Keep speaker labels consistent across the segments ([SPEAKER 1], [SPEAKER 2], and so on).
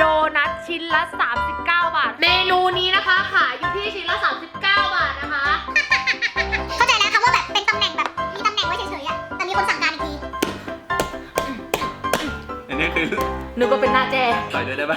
[SPEAKER 1] โดนัทชิ้นละ39 บาทเมนูนี้นะคะขายอยู่ที่ชิ้นละ39 บาทนะคะ
[SPEAKER 2] เข้าใจแล้วค่ะว่าแบบเป็นตำแหน่งแบบมีตำแหน่งไว้เฉยๆอะแต่มีคนสั่งการอีกที
[SPEAKER 3] อันนี้คือ
[SPEAKER 1] นึกว่าเป็นหน้าแจ้
[SPEAKER 3] ใส่ด้วยได้ปะ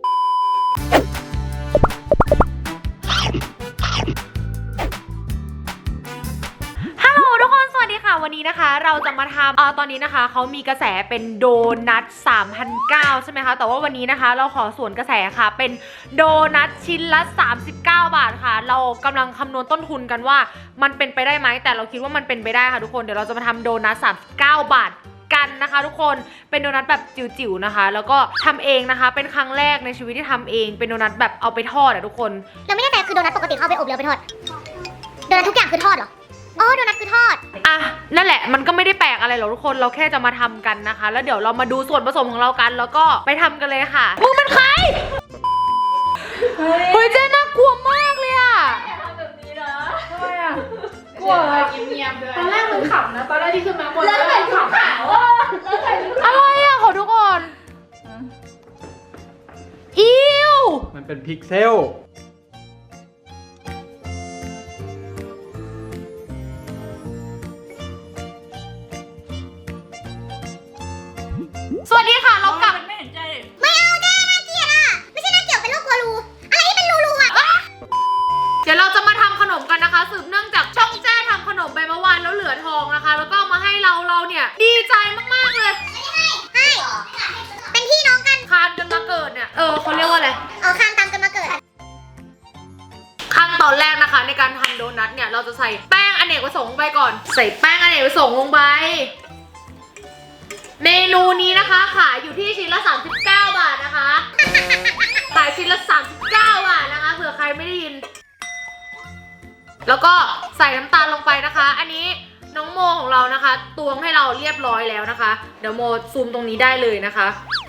[SPEAKER 1] ทุกคนสวัสดีค่ะวันนี้นะคะเราจะมาทำตอนนี้นะคะเขามีกระแสเป็นโดนัท 3,900 ใช่ไหมคะแต่ว่าวันนี้นะคะเราขอสวนกระแสค่ะเป็นโดนัทชิ้นละ39 บาทค่ะเรากำลังคำนวณต้นทุนกันว่ามันเป็นไปได้ไหมแต่เราคิดว่ามันเป็นไปได้ค่ะทุกคนเดี๋ยวเราจะมาทำโดนัท 39 บาทกันนะคะทุกคนเป็นโดนัทแบบจิ๋วๆนะคะแล้วก็ทำเองนะคะเป็นครั้งแรกในชีวิตที่ทำเองเป็นโดนัทแบบเอาไปทอดอะทุกคน
[SPEAKER 2] เราไม่แน่ใจคือโดนัทปกติเขาเอาไปอบหรือเอาไปทอดโดนัททุกอย่างคือทอดเหรออ๋อโดนัทคือทอด
[SPEAKER 1] อ่ะนั่นแหละมันก็ไม่ได้แปลกอะไรหรอกทุกคนเราแค่จะมาทำกันนะคะแล้วเดี๋ยวเรามาดูส่วนผสมของเรากันแล้วก็ไปทำกันเลยค่ะมึงเป็นใครเฮ้ยเจ๊น่ากลัวมากเลยอ่ะ
[SPEAKER 4] อย่าทำแบบนี้นะ
[SPEAKER 1] ทำไมอ่ะกลัว
[SPEAKER 4] เงียบๆเลย
[SPEAKER 5] ตอนแรกมันขำนะตอนแรกที่ขึ้นมาบน
[SPEAKER 4] แล้วใส่ชุดขาวอ่ะแล้วใส่ชุดขาว
[SPEAKER 1] อะไรอ่ะขอทุกคนอิ้ว
[SPEAKER 3] มันเป็นพิกเซล
[SPEAKER 1] สวัสดีค่ะเรากลับ
[SPEAKER 4] ไม่เห็นใจ
[SPEAKER 2] ไม่เอาแจ้น่าเกลียดอะไม่ใช่น่าเกลียดเป็นโรคกลัวรูอะไรที่เป็นรูอะ
[SPEAKER 1] เดี๋ยวเราจะมาทำขนมกันนะคะสืบเนื่องจากช่องแจ้ทำขนมไปเมื่อวานแล้วเหลือทองนะคะแล้วก็มาให้เราเนี่ยดีใจมากๆเลย
[SPEAKER 2] ให้เป็นพี่น้องกัน
[SPEAKER 1] คานกันมาเกิดเนี่ยเขาเรียกว่าอะไร
[SPEAKER 2] อ๋อคานตามกันมาเกิด
[SPEAKER 1] ขั้นตอนแรกนะคะในการทำโดนัทเนี่ยเราจะใส่แป้งอเนกประสงค์ไปก่อนใส่แป้งอเนกประสงค์ลงไปเมนูนี้นะคะขายอยู่ที่ชิ้นละ39 บาทนะคะขายชิ้นละ39 บาทนะคะเผื่อใครไม่ได้ยินแล้วก็ใส่น้ำตาลลงไปนะคะอันนี้น้องโมของเรานะคะตวงให้เราเรียบร้อยแล้วนะคะเดี๋ยวโมซูมตรงนี้ได้เลยนะคะ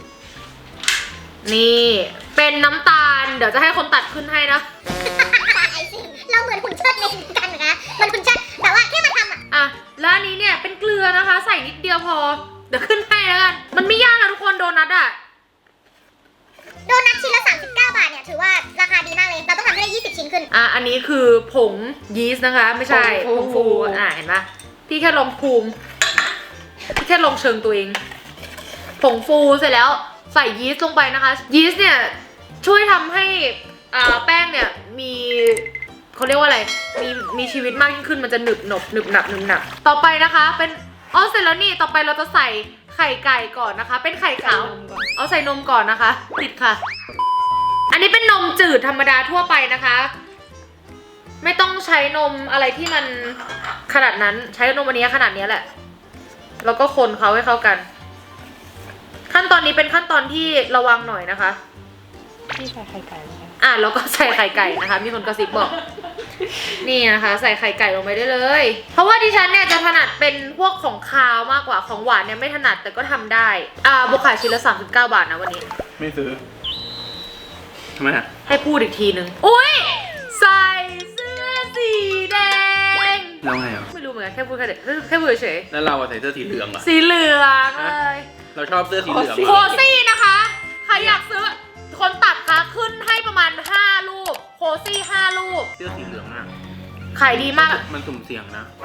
[SPEAKER 1] นี่เป็นน้ำตาลเดี๋ยวจะให้คนตัดขึ้นให้นะ
[SPEAKER 2] เราเหมือนหุ่นเชิดในกันนะมันหุ่นเชิดแต่ว่าแค่มาทำ
[SPEAKER 1] อ่ะแล้วอันนี้เนี่ยเป็นเกลือนะคะใส่นิดเดียวพอเดี๋ยวขึ้นให้แล้วกันมันไม่ยากนะทุกคนโดนัทอะ
[SPEAKER 2] โดนัทชิ้นละ39 บาทเนี่ยถือว่าราคาดีมากเลยเราต้องทำให้ได้20 ชิ้นขึ้น
[SPEAKER 1] อันนี้คือผงยีสต์นะคะไม่ใช่ผงฟูเห็นปะพี่แค่ลองภูมิพี่แค่ลองเชิงตัวเองผงฟูเสร็จแล้วใส่ยีสต์ลงไปนะคะยีสต์เนี่ยช่วยทำให้แป้งเนี่ยมีเขาเรียกว่าอะไรมีชีวิตมากยิ่งขึ้นมันจะหนึบหนับต่อไปนะคะเป็นเสร็จแล้วนี่ต่อไปเราจะใส่ไข่ไก่ก่อนนะคะเป็นไข่ขาวใส่นมก่อนนะคะติดค่ะอันนี้เป็นนมจืดธรรมดาทั่วไปนะคะไม่ต้องใช้นมอะไรที่มันขนาดนั้นใช้นมอันนี้ขนาดนี้แหละแล้วก็คนเขาให้เข้ากันขั้นตอนนี้เป็นขั้นตอนที่ระวังหน่อยนะคะ
[SPEAKER 5] นี่ใส่ไข่ไก่ไหมคะ
[SPEAKER 1] แล้วก็ใส่ไข่ไก่นะคะมีคนกระซิบบอกนี่นะคะใส่ไข่ไก่ลงไปได้เลยเพราะว่าดิฉันเนี่ยจะถนัดเป็นพวกของคาวมากกว่าของหวานเนี่ยไม่ถนัดแต่ก็ทำได้บุกขายชิ้นละ39 บาทนะวันนี้
[SPEAKER 3] ไม่ซื้อทำไม
[SPEAKER 1] ให้พูดอีกทีนึงอุ้ยใส่เสื้อสีแดง
[SPEAKER 3] แล้วไง
[SPEAKER 1] ไม่รู้เหมือนกันแค่พูดเฉย
[SPEAKER 3] แล้วเราใส่เสื้อสีเหลืองเหรอ
[SPEAKER 1] สีเหลืองเลย
[SPEAKER 3] เราชอบเสื้อสีเหลือง
[SPEAKER 1] โคซี่นะคะใครอยากซื้อคนตัดคะขึ้นให้ประมาณ5 รูปโคซี่5 รูป
[SPEAKER 3] เสื้อสีเหลืองอะ
[SPEAKER 1] ขายดีมาก
[SPEAKER 3] มันสุ่มเสี่ยงนะ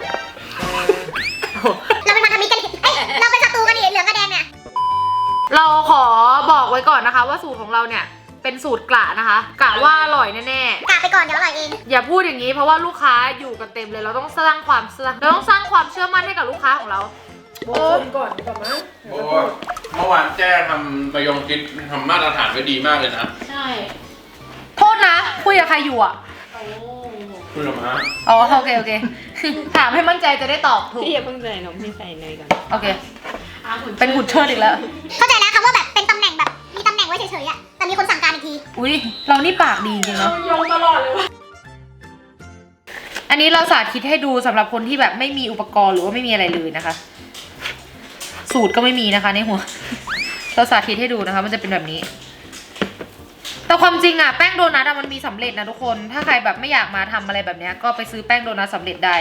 [SPEAKER 2] เราเป็นพันธมิตรกันเราเป็นศัตรูกันดิเหลืองกับแดงเนี่ย
[SPEAKER 1] เราขอบอกไว้ก่อนนะคะว่าสูตรของเราเนี่ยเป็นสูตรกะนะคะกะว่าอร่อยแน่
[SPEAKER 2] ๆกะไปก่อนเดี๋ยวอร่อยเอง
[SPEAKER 1] อย่าพูดอย่างนี้เพราะว่าลูกค้าอยู่กันเต็มเลยเราต้องสร้างความเชื่อมั่นให้กับลูกค้าของเรา
[SPEAKER 5] โบนก่อนก่อนมั้ย
[SPEAKER 3] เมื่อวานแจ้ทำประยงคิดทำมาตรฐานไว้ดีมากเลยนะ
[SPEAKER 1] ใช่โทษนะคุยกับใครอยู่อ่ะ
[SPEAKER 3] คุยกับม้า
[SPEAKER 1] โอเคถามให้มั่นใจจะได้ตอบถูก
[SPEAKER 5] พี่อย่าเพิ่งใส่นมพี่ใส่เนยก่อน
[SPEAKER 1] โอเคเป็นหุ่นเชิดอีกแล้ว
[SPEAKER 2] เข้าใจแล้วค่ะว่าแบบเป็นตำแหน่งแบบมีตำแหน่งไว้เฉยๆอะแต่มีคนสั่งการอีกที
[SPEAKER 1] อุ้ยเรานี่ปากดีจริงเนาะ
[SPEAKER 5] โยงตลอดเลยวะ
[SPEAKER 1] อันนี้เราสาธิตให้ดูสำหรับคนที่แบบไม่มีอุปกรณ์หรือว่าไม่มีอะไรเลยนะคะสูตรก็ไม่มีนะคะในหัวเราสาธิตให้ดูนะคะมันจะเป็นแบบนี้แต่ความจริงอะแป้งโดนัทมันมีสำเร็จนะทุกคนถ้าใครแบบไม่อยากมาทำอะไรแบบนี้ก็ไปซื้อแป้งโดนัทสำเร็จได้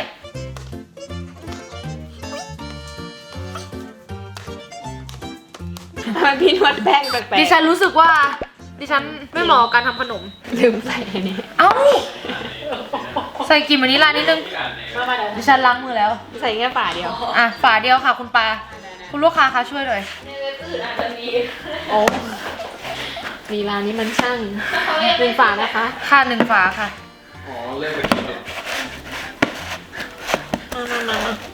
[SPEAKER 5] พี่นวดแป้งแปลกๆ
[SPEAKER 1] ดิฉันรู้สึกว่าดิฉันไม่เหมาะกับการทำขนม
[SPEAKER 5] ลืมใส่อันนี้
[SPEAKER 1] เอ้า ใส่กลิ่นวานิลลานิดนึง
[SPEAKER 4] มาเดี๋ยว
[SPEAKER 1] ดิฉันล้างมือแล้ว
[SPEAKER 5] ใส่แค่ฝาเดียว
[SPEAKER 1] อ่ะ ฝาเดียวค่ะคุณปา คุณลูกค้าคะช่วยหน่อย
[SPEAKER 4] ในเว็บอื่นอาจจะมี
[SPEAKER 5] โอ้มีร้านนี้มันช่างเป็นฝานะคะ
[SPEAKER 1] ค่ะ1 ฝาค่ะ
[SPEAKER 3] อ๋อเล่นไปกินเนี่ย
[SPEAKER 5] มา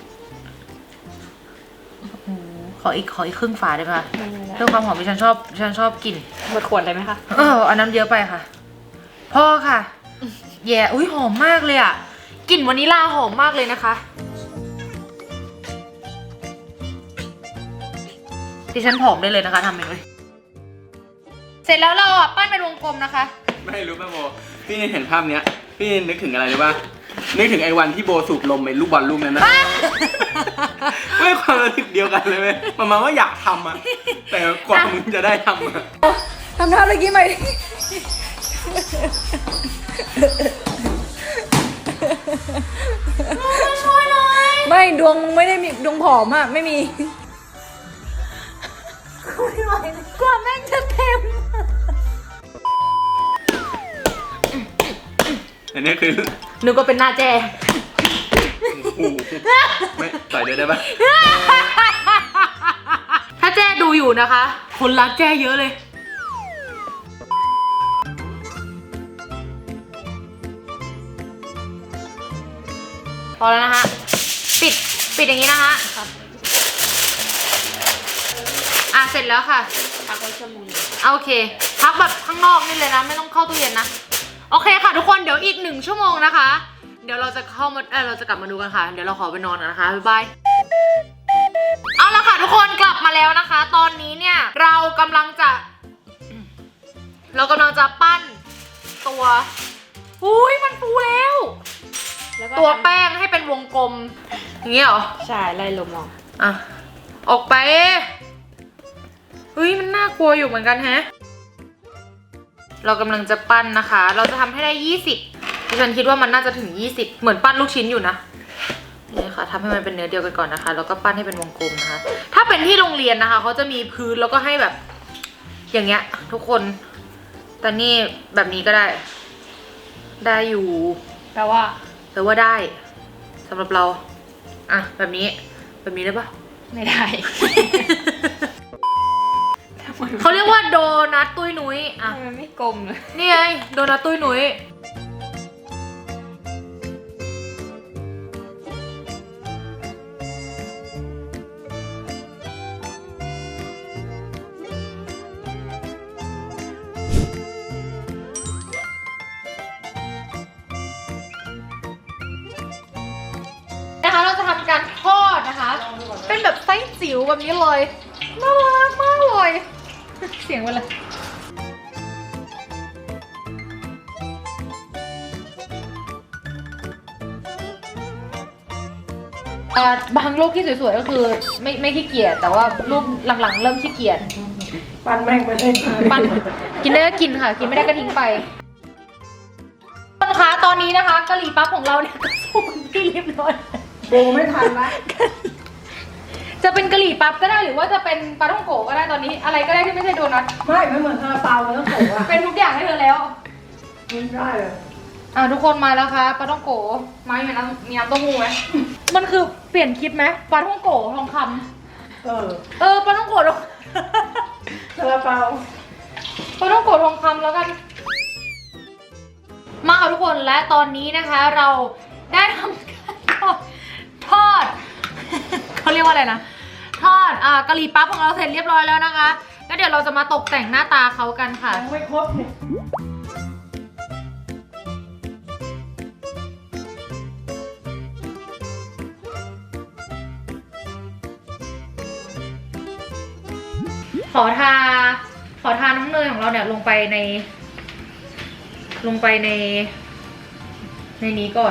[SPEAKER 1] ขออีกครึ่งฝาได้ไหมคะเพื่อความหอมดิฉันชอบกลิ่น
[SPEAKER 5] หมดขวดเลยไหมคะ
[SPEAKER 1] อันน้ำเยอะไปค่ะ พ่อค่ะ แย่อุ้ยหอมมากเลยอ่ะ กลิ่นวานิลลาหอมมากเลยนะคะ ดิฉันผอมได้เลยนะคะทำเองเลย เสร็จแล้วเราอ่ะปั้นเป็นวงกลมนะคะ
[SPEAKER 6] ไม่รู้ป่ะโบ พี่เห็นภาพเนี้ย พี่นึกถึงอะไรรู้ป่ะ นึกถึงไอ้วันที่โบสูบลมไอ้ลูกบอลลูกนั้นนะ ไม่ความรู้สึกเดียวกันเลยไหมประมาณว่าอยากทำอะแต่กว่ามึงจะได้ทำอะ
[SPEAKER 1] ทำท่าเมื่อกี้ใหม่
[SPEAKER 7] ไม่ดวงไม่ได้มีดวงผอมอะไม่มี
[SPEAKER 1] กว่าแม่งจะเต็ม
[SPEAKER 6] อันนี้คือ
[SPEAKER 1] นึกว่าเป็นหน้าแจ
[SPEAKER 6] โอ้โหไม่ใส่ด้วยได้ป่ะ
[SPEAKER 1] ถ้าแจ้ดูอยู่นะคะ คนรักแจ้เยอะเลย พอแล้วนะคะ ปิดอย่างนี้นะคะเสร็จแล้วค่ะ
[SPEAKER 5] พักไว้ชั่วโมง
[SPEAKER 1] โอเค พักแบบข้างนอกนี่เลยนะ ไม่ต้องเข้าตู้เย็นนะ โอเคค่ะทุกคน เดี๋ยวอีก1 ชั่วโมงนะคะ เดี๋ยวเราจะเราจะกลับมาดูกันค่ะ เดี๋ยวเราขอไปนอนกันนะคะ บ๊ายบาย เอาละค่ะทุกคนกลับมาแล้วนะคะ ตอนนี้เนี่ยเรากำลังจะปั้นตัวอุ้ยมันฟูแล้ว
[SPEAKER 5] แล้วก็
[SPEAKER 1] ตัวแป้งให้เป็นวงกลม อย่างเงี้ยเหรอ
[SPEAKER 5] ใช่ไล่ลมออก
[SPEAKER 1] อ่ะ ออกไปเฮ้ยมันน่ากลัวอยู่เหมือนกันแฮะ เรากำลังจะปั้นนะคะ เราจะทำให้ได้20ดิฉันคิดว่ามันน่าจะถึง20เหมือนปั้นลูกชิ้นอยู่นะนี่ค่ะทำให้มันเป็นเนื้อเดียวกันก่อนนะคะแล้วก็ปั้นให้เป็นวงกลมนะคะ ถ้าเป็นที่โรงเรียนนะคะเขาจะมีพื้นแล้วก็ให้แบบ อย่างเงี้ย ทุกคนแต่นี่แบบนี้ก็ได้อยู่
[SPEAKER 5] แปลว่า
[SPEAKER 1] ได้สำหรับเราอ่ะแบบนี้ได้ปะ
[SPEAKER 5] ไม่ได้
[SPEAKER 1] เขาเรียกว่าโดนัทตุ้ยนุ้ยอ่ะ
[SPEAKER 5] ทำไมไม่กลมเลย
[SPEAKER 1] นี่ไงโดนัทตุ้ยนุ้ยนะคะเราจะทำการทอดนะคะ เป็นแบบไส้จิ๋วแบบนี้เลยน่ารักมากเลย เสียงมันเลยบางรูปที่สวยๆก็คือไม่ขี้เกียจแต่ว่ารูปหลังๆเริ่มขี้เกียจ
[SPEAKER 5] ปั้นแม่งไปเลย
[SPEAKER 1] ปั้นกินได้ก็กินค่ะ กินไม่ได้ก็ทิ้งไปทุกคนคะตอนนี้นะคะกะหรี่ปั๊บของเราเนี่ยก็สุกที่เรียบร้อย
[SPEAKER 7] โบไม่ทันนะ
[SPEAKER 1] จะเป็นกะหรี่ปั๊บก็ได้หรือว่าจะเป็นปลาท่องโกะก็ได้ตอนนี้อะไรก็ได้ที่ไม่ใช่โดนัท
[SPEAKER 7] ไม่เหมือนซาลาเปามันต้องโผล่อะ
[SPEAKER 1] เป็นทุกอย่างให้เธอแล้ว
[SPEAKER 7] ไม่ได้เลย
[SPEAKER 1] ทุกคนมาแล้วค่ะปลาท่องโกะมามีน้ำเต้าหู้ไหมมันคือเปลี่ยนคิดไหมปลาท่องโกะทองคำปลาท่องโกะ
[SPEAKER 7] ซาลาเปา
[SPEAKER 1] ปลาท่องโกะทองคำแล้วกัน มาค่ะทุกคนและตอนนี้นะคะเราได้ทำการทอด เขาเรียกว่าอะไรนะทอดกะหรี่ปั๊บของเราเสร็จเรียบร้อยแล้วนะคะแล้วเดี๋ยวเราจะมาตกแต่งหน้าตาเขากันค่ะ
[SPEAKER 7] ยังไม่ครบเนี่ย
[SPEAKER 1] ขอทาน้ำเนยของเราเนี่ยลงไปในนี้ก่อน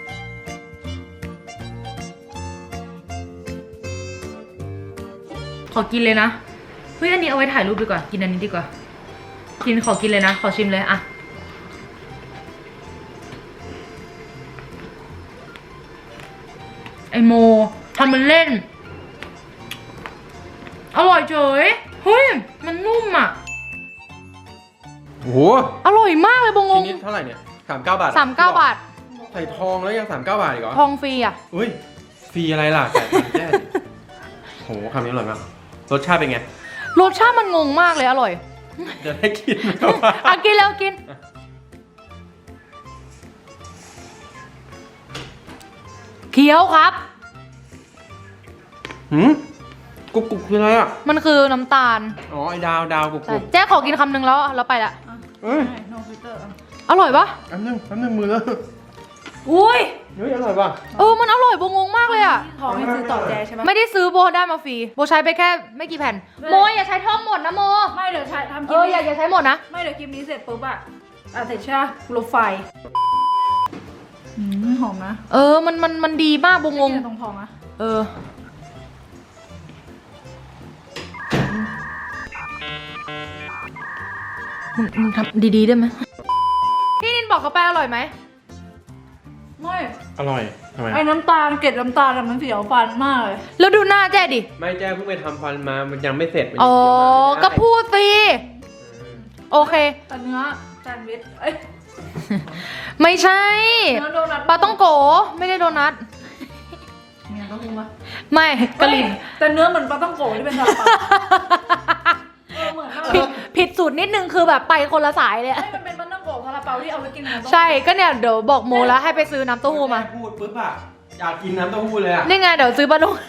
[SPEAKER 1] ขอกินเลยนะ เฮ้ยอันนี้เอาไว้ถ่ายรูปดีกว่า กินอันนี้ดีกว่า ขอกินเลยนะ ขอชิมเลยอะไอโมทำมันเล่น อร่อยเฉย เฮ้ย มันนุ่มอ่ะ
[SPEAKER 3] โอ้โห
[SPEAKER 1] อร่อยมากเลยบง
[SPEAKER 3] ชิ้
[SPEAKER 1] ง
[SPEAKER 3] นนี้เท่าไหร่เนี่ย39 บาท
[SPEAKER 1] 39 บาท
[SPEAKER 3] ใส่ทองแล้วยัง39 บาทอีกเหรอ
[SPEAKER 1] ทองฟรีอ่ะ
[SPEAKER 3] อุ้ยฟรีอะไรล่ะแต่แจ้โหคำนี้อร่อยมากรสชาติเป็นไง
[SPEAKER 1] รสชาติมันงงมากเลยอร่อย
[SPEAKER 3] จะได้กินไหมวะ
[SPEAKER 1] อ่ะกินแล้วกิน เคี้ยวครับ
[SPEAKER 3] หืมกรุบคืออะไรอ่ะ
[SPEAKER 1] มันคือน้ำตาล
[SPEAKER 3] อ๋อไอ้ดาวกรุบ
[SPEAKER 1] ใช่แจ๊ขอกินคำหนึ่งแล้วไปละ
[SPEAKER 3] เอ้ย
[SPEAKER 5] โนฟิลเตอร์
[SPEAKER 1] อร่อยปะ
[SPEAKER 3] แป๊บนึงมือแล้ว
[SPEAKER 1] อุ้ย
[SPEAKER 3] เฮ้ยอร่อยป่ะ
[SPEAKER 1] มันอร่อยโบงงมากเลยอ่ะ
[SPEAKER 5] ทองให้ซื้อต่อแจใช่ไหม
[SPEAKER 1] ไม่ได้ซื้อโบได้มาฟรี โบใช้ไปแค่ไม่กี่แผ่น โมอย่าใช้ท่องหมดนะโม
[SPEAKER 5] ไม่เดี๋ยวใช้ทำคลิ
[SPEAKER 1] อย่าใช้หมดนะ
[SPEAKER 5] ไม่เดี๋ยวคลิปนี้เสร็จปุ๊บอะเสร็จใช่ไหมลบไฟหอมนะ
[SPEAKER 1] มันดีมากโบงง
[SPEAKER 5] เนี่ยตรงทองนะ
[SPEAKER 1] มึงทำดีๆได้ไหมพี่นินบอกเขาไปอร่อยไหม
[SPEAKER 5] ไม่
[SPEAKER 3] อร่อยทำไม
[SPEAKER 5] ไอ้น้ำตาลเกล็ดน้ำตาลมันเสียวฟันมากเลย
[SPEAKER 1] แล้วดูหน้าแจ้ดิ
[SPEAKER 3] ไม่แจ้เพิ่งไปทำฟันมามันยังไม่เสร็จมัน
[SPEAKER 1] อ๋อ ก็พูดสิ โอเค
[SPEAKER 5] แต่เนื้อแซนด์วิชเอ้ย
[SPEAKER 1] ไม่ใช่
[SPEAKER 5] เนื้อโดนัท
[SPEAKER 1] ปลาต้องโกไม่ได้โดนัท
[SPEAKER 5] เนี่ยต้องรู้ปะ
[SPEAKER 1] ไม่กะหรี่
[SPEAKER 5] แต่เนื้อเหมือนปลาต้องโกะที่เป็นซาลาเปาเหมือนมากเลย
[SPEAKER 1] ผิดสูตรนิดนึงคือแบบไปคนละสายเลยอะ
[SPEAKER 5] มันเป็นปลาต้องโกะซาลาเปาที่เอาไว้กินกับ
[SPEAKER 1] ใช่ก็เนี่ยเดี๋ยวบอกโมแล้วให้ไปซื้อน้ำเต้าหู้มา
[SPEAKER 3] พูดปุ๊บอะอยากกินน้ำเต้าหู้เลยอะ
[SPEAKER 1] นี่ไงเดี๋ยวซื้อปลาดุก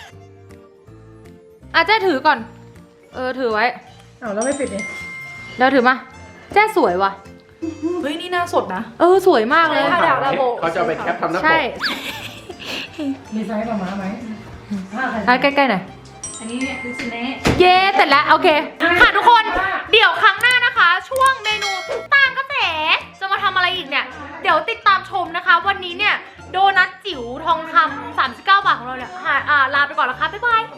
[SPEAKER 1] อ่ะแจ้ถือก่อน ถือไว้
[SPEAKER 5] เอาแล้วไม่ปิดเนี่ย
[SPEAKER 1] เดี๋ยวถือมา แจ้สวยว่ะ
[SPEAKER 5] เฮ้ยนี่หน้าสดนะ
[SPEAKER 1] สวยมากเลย
[SPEAKER 5] ถ้าอยากระบุ
[SPEAKER 3] เขาจะเอาไปแคปทำหน้าป
[SPEAKER 1] ใช่
[SPEAKER 3] ก
[SPEAKER 5] มีไซส์ประมาณไหม
[SPEAKER 1] ใกล้ๆหน่อย
[SPEAKER 5] อันนี้คือซิเน่
[SPEAKER 1] เย้เสร็จแล้วโอเคค่ะทุกคนเดี๋ยวครั้งหน้านะคะ ช่วงเมนูตามกระแสจะมาทำอะไรอีกเนี่ย เดี๋ยวติดตามชมนะคะ วันนี้เนี่ยโดนัทจิ๋วทองคำ39 บาทของเราเนี่ยลาไปก่อนแล้วค่ะบ๊ายบาย